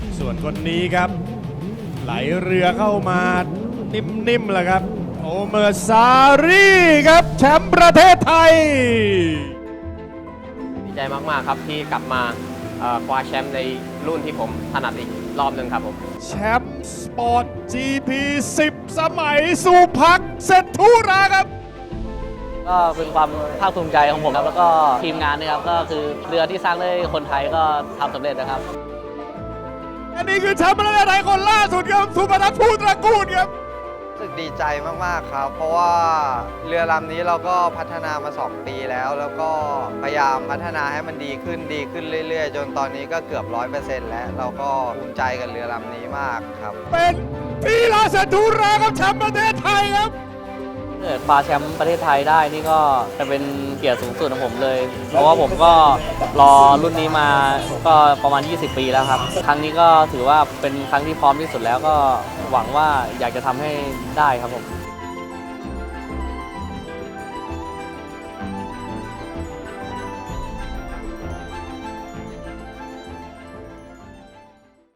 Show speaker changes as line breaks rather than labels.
ส่วนคนนี้ครับ ไหลเรือเข้ามานิ่มๆเลยครับ โอเมอร์ซารีครับแชมป์ประเทศไทย
ดีใจมากๆครับที่กลับมาคว้าแชมป์ในรุ่นที่ผมถนัดอีกรอบหนึ่งครับผม
แชมป์สปอร์ต GP 10 สมัยสุภักดิ์เศรษฐุราครับ
ก็เป็นความภาคภูมิใจของผมครับแล้วก็ทีมงานนะครับก็คือเรือที่สร้างด้วยคนไทยก็ทำสำเร็จนะครับ
อันนี้คือแชมป์ประเทศไทยคนล่าสุดครับสุพนัทภูตระกูลครับ
รู้สึกดีใจมากๆครับ เพราะว่าเรือลำนี้เราก็พัฒนามา 2 ปีแล้วก็พยายามพัฒนาให้มันดีขึ้นเรื่อยๆ จนตอนนี้ก็เกือบ 100% แล้วเราก็ภูมิใจกับเรือลำนี้มากครับ
เป็นพี่ลาเศรษฐุราครับแชมป์ประเทศไทยครับ
เกิดคว้าแชมป์ประเทศไทยได้นี่ก็จะเป็นเกียรติสูงสุดของผมเลย เพราะว่าผมก็รอรุ่นนี้มาก็ประมาณ 20 ปีแล้วครับ ครั้งนี้ก็ถือว่าเป็นครั้งที่พร้อมที่สุดแล้วก็หวังว่าอยากจะทำให้ได้ครับผม